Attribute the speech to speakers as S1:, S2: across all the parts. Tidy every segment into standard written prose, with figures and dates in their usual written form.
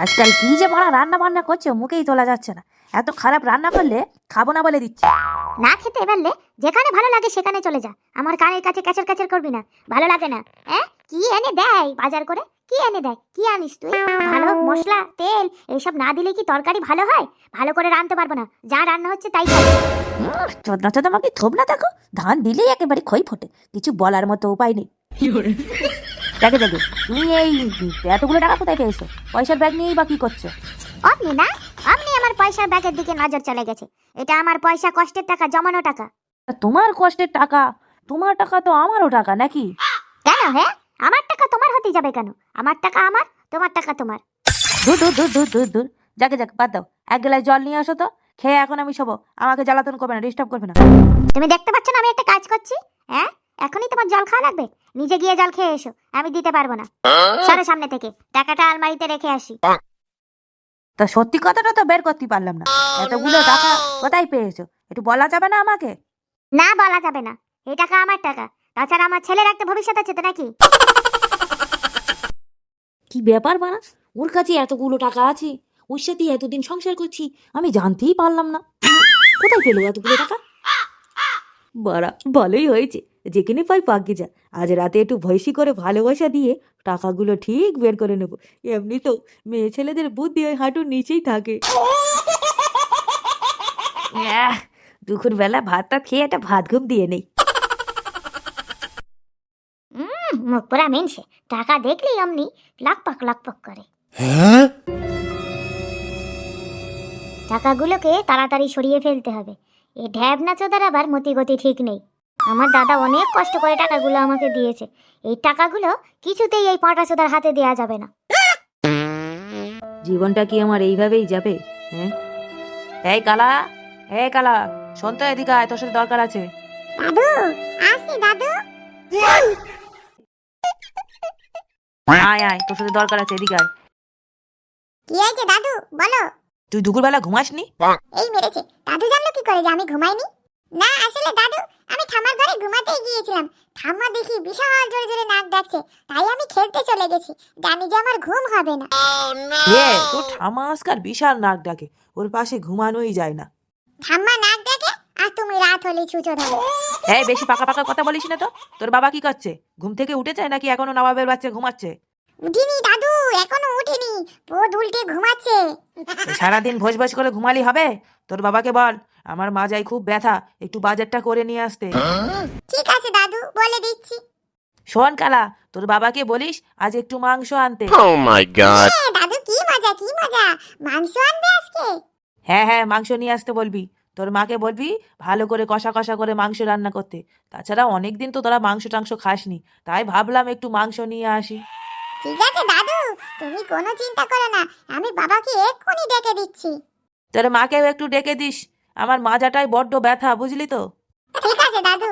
S1: আজকাল কি যে বড় রান্না বান্না করছে মুখেই তোলা যাচ্ছে না। এত খারাপ রান্না করলে খাবো না বলে দিচ্ছে।
S2: না খেতে পারলে যেখানে ভালো লাগে সেখানে চলে যা, আমার কানের কাছে ক্যাচার ক্যাচার করবি না, ভালো লাগে না। কি এনে দেয় বাজার করে, কি এনে দেয়, কি আনিস তুই? ভালো মশলা তেল এইসব না দিলে কি তরকারি ভালো হয়? ভালো করে রাঁধতে পারবো না, যা রান্না হচ্ছে তাই খাবো।
S1: চোদনা চোদনা আমাকে থোপ না, দেখো ধান দিলেই একেবারে খই ফোটে, কিছু বলার মতো উপায় নেই। দেখে দেখে তুমি এই এতগুলো টাকা কোথায় পেয়েছো? পয়সার ব্যাগ নিয়েই বা কি করছো?
S2: অমনি না, অমনি আমার পয়সার ব্যাগের দিকে নজর চলে গেছে। এটা আমার পয়সা, কষ্টের টাকা, জমানো টাকা।
S1: তোমার কষ্টের টাকা? তোমার টাকা তো আমারও টাকা নাকি?
S2: কেন? হ্যাঁ, আমার টাকা তোমার হতে যাবে কেন? আমার টাকা আমার, তোমার টাকা তোমার।
S1: দূর দূর দূর দূর দূর দূর, যাকে যাক বাদ দাও। এক গ্লাস জল নিয়ে আসো তো, খেয়ে এখন আমি শোবো। আমাকে জ্বালাতন করবে না, ডিস্টার্ব করবে না।
S2: তুমি দেখতে পাচ্ছ না আমি একটা কাজ করছি? এখনই তোমার জল খাওয়া লাগবে? নিজে গিয়ে জল খেয়ে এসো, আমি দিতে পারবো না। সরো সামনে থেকে, টাকাটা আলমারিতে রেখে আসি।
S1: তা সত্যি কথাটা তো বের করতে পারলাম না। এতগুলো টাকা কোথায় পেয়েছো একটু বলা যাবে না আমাকে?
S2: না, বলা যাবে না। এই টাকা আমার টাকা, তাছাড়া আমার ছেলের একটা ভবিষ্যৎ আছে তো নাকি?
S1: কি ব্যাপার বানা, ওর কাছে এতগুলো টাকা আছে, ওর সাথে এতদিন সংসার করছি, আমি জানতেই পারলাম না। কোথায় পেলো এতগুলো টাকা? বাড়া ভালোই হয়েছে, যেখানে পাই পাকি যা। আজ রাতে একটু ভয়সী করে ভালোবাসা দিয়ে টাকাগুলো ঠিক বের করে নেবো। এমনি তো মেয়ে ছেলেদের বুদ্ধি ওই হাঁটুর নিচেই থাকে। দুপুর বেলা ভাতটা খেয়ে একটা ভাত ঘুম দিয়ে নেই।
S2: মুখ পোড়া মেনছে, টাকা দেখলেই অমনি লাকপাক করে। টাকাগুলোকে তাড়াতাড়ি সরিয়ে ফেলতে হবে। এই ঢ্যাবনা চোদার আবার মতিগতি ঠিক নেই। আমার দাদা অনেক কষ্ট করে টাকাগুলো আমাকে দিয়েছে, এই টাকাগুলো কিছুতেই এই পাঁটা চোদার হাতে দেয়া যাবে না।
S1: জীবনটা কি আমার এইভাবেই যাবে? হ্যাঁ, এই কালা, এই কালা, শোন তো, এদিকে আয়, তোর সাথে দরকার আছে।
S2: দাদু, আসি দাদু।
S1: আয় আয়, তোর সাথে দরকার আছে, এদিকে আয়।
S2: কি হয়েছে দাদু, বলো।
S1: তুই দুপুরবেলা ঘুমাসনি?
S2: এই মেরেছে। দাদু জানলো কি করে যে আমি ঘুমাইনি? না আসলে দাদু, আমি ঠাম্মার ঘরে ঘুমাতেই গিয়েছিলাম। ঠাম্মা দেখি বিশাল জোরে জোরে নাক ডাকছে, তাই আমি খেলতে চলে গেছি, জানি যে আমার ঘুম হবে না।
S1: তোর ঠামা আজকাল বিশাল নাক ডাকে, ওর পাশে ঘুমানোই যায় না।
S2: ঠাম্মা নাক ডাকে আর তুমি রাত হলে ছুঁচো ধরো।
S1: এই বেশি পাকা পাকা কথা বলিস না তো। তোর বাবা কি করছে? ঘুম থেকে উঠেছে নাকি এখনো নবাবের বাচ্চা ঘুমাচ্ছে?
S2: উঠিনি দাদু, এখনো উঠিনি, পোদ উল্টে ঘুমাচ্ছে।
S1: সারাদিন ভোজ ভোজ করে ঘুমালি হবে? তোর বাবাকে বল আমার মাজায় খুব ব্যথা, একটু বাজারটা করে নিয়ে আসতে।
S2: ঠিক আছে দাদু, বলে দিচ্ছি।
S1: শোন কালা, তোর বাবাকে বলিস আজ একটু মাংস আনতে।
S3: Oh my god.
S2: দাদু কি মজা, কি মজা, মাংস আনবে আজকে?
S1: হ্যাঁ হ্যাঁ, মাংস নিয়ে আসতে বলবি। তোর মাকে বলবি ভালো করে কষা কষা করে মাংস রান্না করতে। তাছাড়া অনেকদিন তো তোরা মাংস টাংস খাসনি, তাই ভাবলাম একটু মাংস নিয়ে আসি।
S2: ঠিক আছে দাদু, তুমি কোনো চিন্তা করো না, আমি বাবাকে এক্ষুনি ডেকে দিচ্ছি।
S1: তোর মাকেও একটু ডেকে দিস, আমার মাজাটাই বড্ড ব্যথা, বুঝলি তো।
S2: ঠিক আছে দাদু।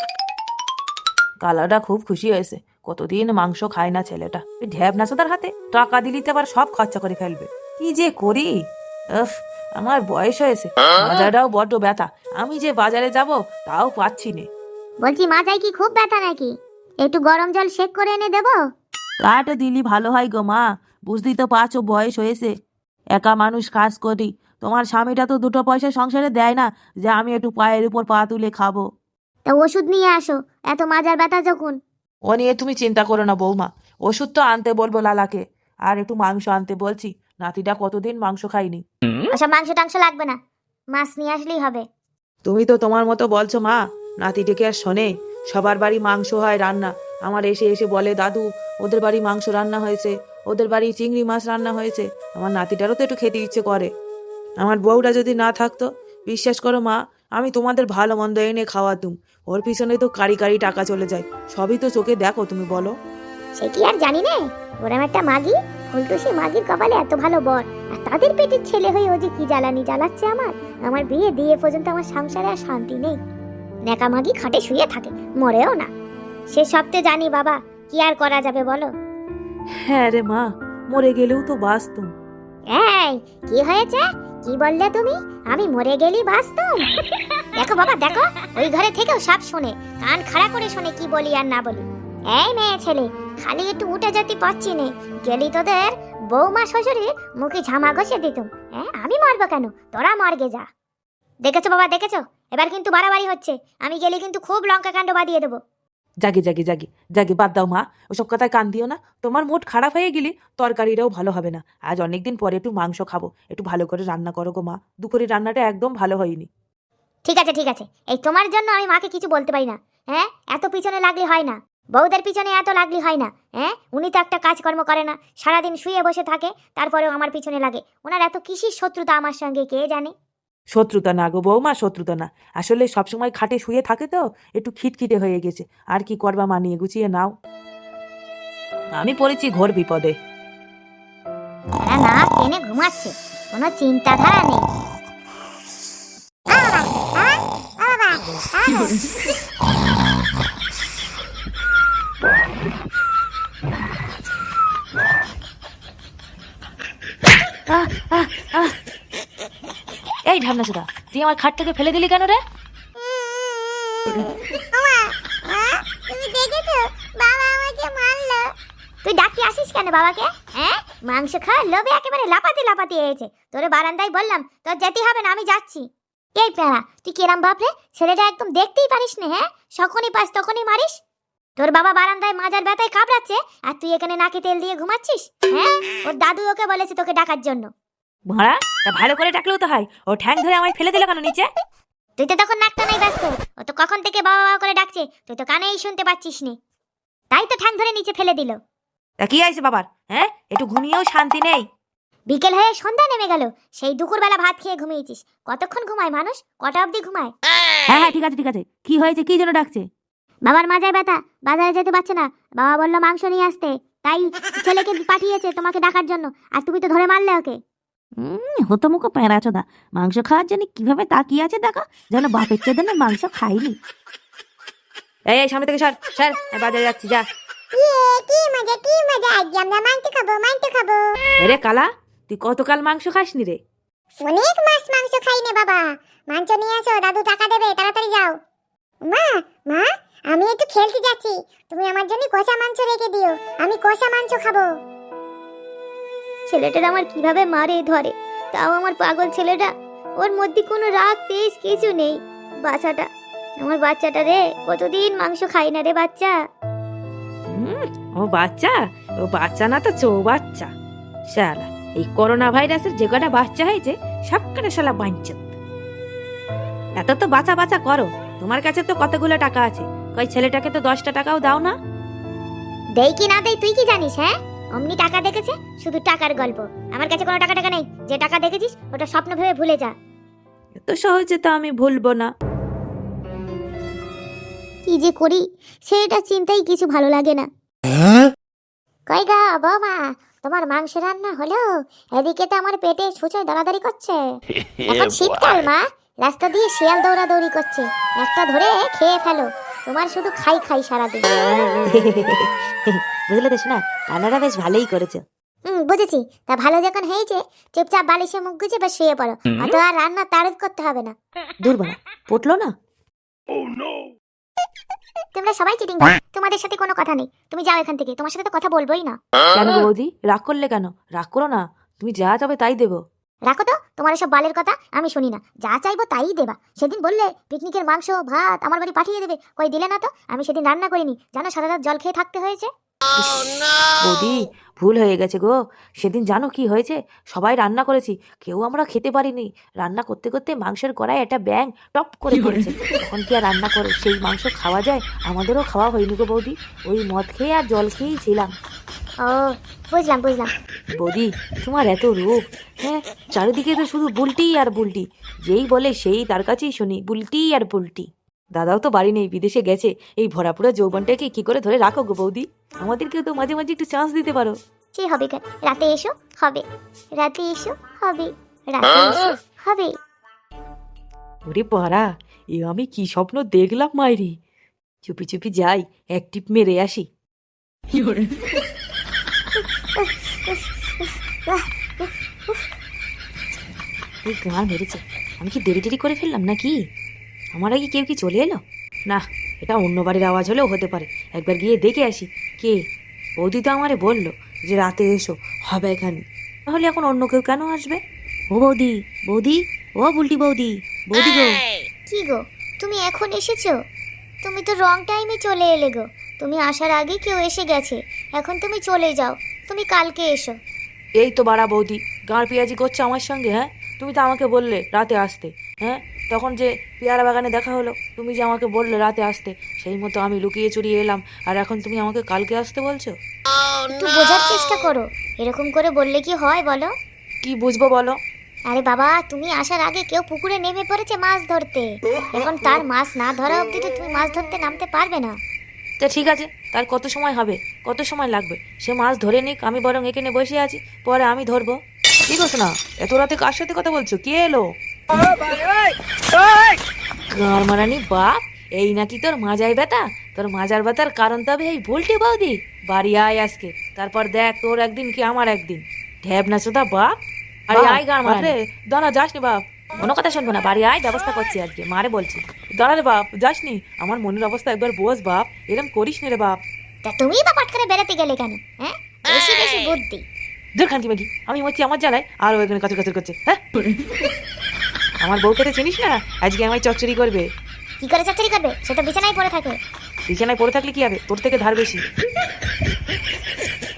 S1: কালাটা খুব খুশি হয়েছে, কতদিন মাংস খায় না ছেলেটা। ঢ্যাব নাচোদার হাতে টাকা দিলিতে আবার সব খরচা করে ফেলবে। কি যে করি, উফ, আমার বয়স হয়েছে, মাজাটাও বড্ড ব্যথা। আমি যে বাজারে যাব তাও পাচ্ছি নে।
S2: বলছি মাজায় কি খুব ব্যথা নাকি? একটু গরম জল শেক করে এনে দেবো?
S1: কাটা দিলি ভালো হয় গো মা, বুঝতেই তো পারছো বয়স হয়েছে, একা মানুষ কাজ করি। তোমার স্বামীটা তো দুটো পয়সা সংসারে দেয় না যে আমি একটু পায়ের উপর পা তুলে খাবো।
S2: তা ওষুধ নিয়ে আসো, এত মাজার ব্যথা যখন।
S1: ও নিয়ে তুমি চিন্তা করো না বৌমা, ওষুধ তো আনতে বলবো লালাকে, আর একটু মাংস আনতে বলছি, নাতিটা কতদিন মাংস খাইনি।
S2: ওসব মাংস টাংস লাগবে না, মাছ নিয়ে আসলেই হবে।
S1: তুমি তো তোমার মতো বলছো মা, নাতিটিকে আর শোনে। সবার বাড়ি মাংস হয় রান্না, আমার এসে এসে বলে দাদু ওদের বাড়ি মাংস রান্না হয়েছে, ওদের বাড়ি চিংড়ি মাছ রান্না হয়েছে। আমার নাতিটারও তো একটু খেতে ইচ্ছে করে। আমার বউটা যদি না থাকতো, বিশ্বাস করো মা, আমি তোমাদের ভালো মন্দ এনে খাওয়াতুম। ওর পিছনে তো কারি কারি টাকা চলে যায়, সবই তো চোখে দেখো, তুমি বলো।
S2: সে কি আর জানি না, ওরম একটা মাগি, ফুলটুসি মাগির কপালে এত ভালো বর, আর তাদের পেটের ছেলে হয়ে ও যে কি জ্বালানি জ্বালাচ্ছে আমার বিয়ে দিয়ে পর্যন্ত আমার সংসারে আর শান্তি নেই। নেকা মাগি খাটে শুয়ে থাকে, মরেও না। সে সবতে জানি বাবা, কি আর করা যাবে বলো।
S1: হ্যাঁ রে মা, মরে গেলেও তো বাঁচতুম।
S2: এই কি হয়েছে, কি বললে তুমি? আমি মরে গেলি বাঁচতুম? দেখো বাবা দেখো, ওই ঘরে থেকেও সব শোনে, কান খাড়া করে শোনে কি বলি আর না বলি। এই মেয়ে ছেলে, খালি একটু উঠে যেতে পারছি নে, গেলি তোদের বৌমা শ্বশুরের মুখে ঝামা ঘষে দিতুম। হ্যাঁ, আমি মরবো কেন, তোরা মর্গে যা। দেখেছো বাবা, দেখেছো, এবার কিন্তু বাড়াবাড়ি হচ্ছে। আমি গেলে কিন্তু খুব লঙ্কা কাণ্ড বাঁধিয়ে দেবো।
S1: জাগে জাগে জাগে জাগে, বাদ দাও মা, ওসব কথায় কান দিও না। তোমার মুড খারাপ হয়ে গেলে তরকারিটাও ভালো হবে না। আজ অনেকদিন পরে একটু মাংস খাবো, একটু ভালো করে রান্না করো গো মা। দুপুরের রান্নাটা একদম ভালো হয়নি।
S2: ঠিক আছে ঠিক আছে, এই তোমার জন্য আমি মাকে কিছু বলতে পারি না। হ্যাঁ, এত পিছনে লাগলে হয় না, বউদের পিছনে এত লাগলে হয় না। হ্যাঁ, উনি তো একটা কাজকর্ম করে না, সারাদিন শুয়ে বসে থাকে, তারপরেও আমার পিছনে লাগে। ওনার এত কিসির শত্রুতা আমার সঙ্গে কে জানে।
S1: শত্রুতা না গো বৌমা, শত্রুতা না। আসলে সবসময় খাটে শুয়ে থাকে তো একটু খিটখিটে হয়ে গেছে। আর কি করবা, মানিয়ে গুছিয়ে নাও। আমি পড়েছি ঘোর বিপদে।
S2: তারা না টেনে ঘুমাচ্ছে, কোনো চিন্তাধারা নেই।
S1: এই ঢামনা সুদা, তুই আমার খাট থেকে ফেলে দিলি কেন রে?
S2: তুমি দেখেছো বাবা আমাকে মারলো? তুই ডাকি আসিস কেন বাবাকে? হ্যাঁ, মাংস খাওয়ার লোভে একেবারে লাপাতে লাপাতে এসেছে। তোরে বারান্দায় বললাম তোর যেতে হবে না, আমি যাচ্ছি। এই প্যারা, তুই কেরাম বাপরে, ছেলেটা একদম দেখতেই পারিস না। হ্যাঁ, যখনই পাস তখনই মারিস। তোর বাবা বারান্দায় মাজার ব্যথায় কামড়াচ্ছে, আর তুই এখানে নাকে তেল দিয়ে ঘুমাচ্ছিস। হ্যাঁ, ওর দাদু ওকে বলেছে তোকে ডাকার জন্য।
S1: ভাড়া তা ভালো করে ডাকলেও তো হয়, ও ঠ্যাং ধরে আমায় ফেলে দিল কেন নিচে?
S2: তুই তো তখন নাকটা নাই ব্যস্ত, ও তো কখন থেকে বাবা বাবা করে ডাকছে, তুই তো কানেই শুনতে পাচ্ছিস নি, তাই তো ঠ্যাং ধরে নিচে ফেলে দিল।
S1: তা কি হয়েছে বাবার? হ্যাঁ, একটু ঘুমিয়েও শান্তি নেই।
S2: বিকেল হয়ে সন্ধ্যা নেমে গেল, সেই দুপুরবেলা ভাত খেয়ে ঘুমিয়েছিস। কতক্ষণ ঘুমায় মানুষ, কটা অবধি ঘুমায়?
S1: হ্যাঁ হ্যাঁ, ঠিক আছে ঠিক আছে, কি হয়েছে, কি জন্য ডাকছে?
S2: বাবার মাজায় ব্যথা, বাজারে যেতে পারছে না। বাবা বললো মাংস নিয়ে আসতে, তাই ছেলেকে পাঠিয়েছে তোমাকে ডাকার জন্য, আর তুমি তো ধরে মারলে ওকে।
S1: হতো মুখো প্যাঁড়াচোদা, মাংস খাওয়ার জন্য কিভাবে তাকিয়ে আছে দেখো, যেন বাপের চেয়ে না মাংস খাইনি। এই সামনে থেকে সর সর, বাজারে যাচ্ছি, যা।
S2: কি মজা কি মজা, আজ আমরা মাংস খাবো, মাংস খাবো।
S1: রে কালা, তুই কতকাল মাংস খাসনি রে?
S2: অনেক মাছ মাংস খাই নে বাবা। মাংস নিয়ে আসো, দাদু টাকা দেবে, তাড়াতাড়ি যাও। মা মা, আমি একটু খেলতে যাচ্ছি, তুমি আমার জন্য কষা মাংস রেখে দিও, আমি কষা মাংস খাবো। ছেলেটার আমার কিভাবে মারে ধরে, তাও আমার পাগল ছেলেটা, ওর মধ্যে কোনো রাগ তেজ কিছু নেই। বাচ্চাটা, আমার বাচ্চাটা রে, কতদিন মাংস খাই না রে বাচ্চা।
S1: ও বাচ্চা, ও বাচ্চা না তো চৌবাচ্চা। শালা এই করোনা ভাইরাসের যে কটা বাচ্চা হয়েছে সব কটা শালা বাঞ্চত। এত তো বাঁচা বাঁচা করো, তোমার কাছে তো কতগুলো টাকা আছে, কই ছেলেটাকে তো 10টা টাকাও দাও না।
S2: দেই কি না দেই তুই কি জানিস? হ্যাঁ, অমনি টাকা দেখেছে, শুধু টাকার গল্প। আমার কাছে কোনো টাকা টাকা নেই, যে টাকা দেখেছিস ওটা স্বপ্ন ভেবে ভুলে যা।
S1: এত সহজে তো আমি ভুলবো না।
S2: কি যে করি সেটা চিন্তাই কিছু ভালো লাগে না। কই গা বৌমা, তোমার মাংস রান্না হলো? এদিকে তো আমার পেটে ছুঁচোয় দৌড়াদৌড়ি করছে। এখন শীতকাল মা, রাস্তা দিয়ে শিয়াল দৌড়াদৌড়ি করছে, একটা ধরে খেয়ে ফেলো। তোমার শুধু খাই খাই সারাদিন।
S1: বুঝলে তো শোনা, রান্নাটা বেশ ভালোই করেছে।
S2: বুঝেছি, তা ভালো যখন হয়েছে চুপচাপ বালিশে মুখ গুজে বা শুয়ে পড়ো, অত আর রান্না তারিফ করতে হবে না।
S1: দুর্বল পটলো না।
S2: তোমরা সবাই চিটিং, তোমাদের সাথে কোনো কথা নেই, তুমি যাও এখান থেকে, তোমার সাথে তো কথা বলবোই না।
S1: কেন গো বৌদি, রাগ করলে কেন? রাগ করো না, তুমি যা যাবে তাই দেবো।
S2: রাখো তো, তোমার এসব বালের কথা আমি শুনি না, যা চাইবো তাই দেবা। সেদিন বললে পিকনিকের মাংস ভাত আমার বাড়ি পাঠিয়ে দেবে, কই দিলে না তো। আমি সেদিন রান্না করিনি, জানো সারা রাত জল খেয়ে থাকতে হয়েছে।
S1: বৌদি ভুল হয়ে গেছে গো, সেদিন জানো কি হয়েছে, সবাই রান্না করেছি, কেউ আমরা খেতে পারিনি। রান্না করতে করতে মাংসের কড়াই একটা ব্যাঙ টপ করে পড়েছে, তখন কি আর রান্না করে সেই মাংস খাওয়া যায়? আমাদেরও খাওয়া হয়নি গো বৌদি, ওই মদ খেয়ে আর জল খেয়েই ছিলাম।
S2: ও বুঝলাম বুঝলাম।
S1: বৌদি তোমার এত রূপ, হ্যাঁ, চারিদিকে তো শুধু বুলটি আর বুলটি, যেই বলে সেই তার কাছেই শুনি বুলটি আর বুলটি। দাদাও তো বাড়ি নেই, বিদেশে গেছে, এই ভরাপুরা যৌবনটাকে কি করে ধরে রাখো গো বৌদি? আমাদেরকেও তো মাঝে মাঝে একটু চান্স দিতে পারো।
S2: সে হবে কেন, রাতে এসো হবে, রাতে এসো হবে, রাতে এসো হবে।
S1: ওরে পাড়া, এ আমি কি স্বপ্ন দেখলাম মাইরি। চুপি চুপি যাই, এক টিপ মেরে আসি। এই গান মেরেছে, আমি কি দেরি করে ফেললাম নাকি? আমার আগে কেউ কি চলে এলো? না, এটা অন্য বাড়ির আওয়াজ হলেও হতে পারে, একবার গিয়ে দেখে আসি। কে? বৌদি তো আমারে বললো যে রাতে এসো হবে এখানে, তাহলে এখন অন্য কেউ কেন আসবে? ও বৌদি, বৌদি, ও বুলটি বৌদি, বৌদি গো।
S2: কি গো, তুমি এখন এসেছো? তুমি তো রং টাইমে চলে এলে গো। তুমি আসার আগে কেউ এসে গেছে, এখন তুমি চলে যাও। তুমি কালকে এসো।
S1: এই তো বাড়া বৌদি, গাঁড় পেঁয়াজি করছে আমার সঙ্গে। হ্যাঁ, তুমি তো আমাকে বললে রাতে আসতে। হ্যাঁ, তখন যে পেয়ারা বাগানে দেখা হলো, তুমি যে আমাকে বললে রাতে আসতে, সেই মতো আমি লুকিয়ে চুরিয়ে এলাম, আর এখন তুমি আমাকে কালকে আসতে বলছো?
S2: একটু বোঝার চেষ্টা করো, এরকম করে বললে কি হয় বলো?
S1: কি বুঝবো বলো?
S2: আরে বাবা, তুমি আসার আগে কেউ পুকুরে নেমে পড়েছে মাছ ধরতে। এখন তার মাছ না ধরা অবধি তো তুমি মাছ ধরতে নামতে পারবে না।
S1: তা ঠিক আছে, তার কত সময় হবে, কত সময় লাগবে? সে মাছ ধরে নিক, আমি বরং এখানে বসে আছি, পরে আমি ধরবো। কি করছো না? এত রাতে কার সাথে কথা বলছো? কে এলো? গাঁর মারানি বাপ, এই নাকি তোর মাজায় ব্যথা? তোর মাজার ব্যথার কারণ তবে এই ভুলটি বৌদি। বাড়ি আয় আজকে, তারপর দেখ তোর একদিন কি আমার একদিন। ঢ্যাব না চোদা বাপ। আরে আয় গাঁর মারে, দাঁড়া যাস নি বাপ, কোনো কথা শুনবো না, বাড়ি আয়, ব্যবস্থা করছি আজকে, মারে বলছি। দাঁড়া রে বাপ, যাসনি, আমার মনের অবস্থা একবার বোঝ বাপ, এরম করিস নি রে বাপ।
S2: তা তুমি বা পাট করে বেড়াতে গেলে কেন? হ্যাঁ, বেশি বেশি বুদ্ধি।
S1: দূর খানকি মাগি, আমি হচ্ছি আমার জ্বালায়, আর ও এখানে কাচর কাচর করছে। হ্যাঁ, আমার বউকে তো চিনিস না, আজকে আমায় চচ্চড়ি করবে।
S2: কি করে চাকরি করবে? সে তো বিছানায় পড়ে থাকে।
S1: বিছানায় পড়ে থাকলে কি হবে, তোর থেকে ধার বেশি।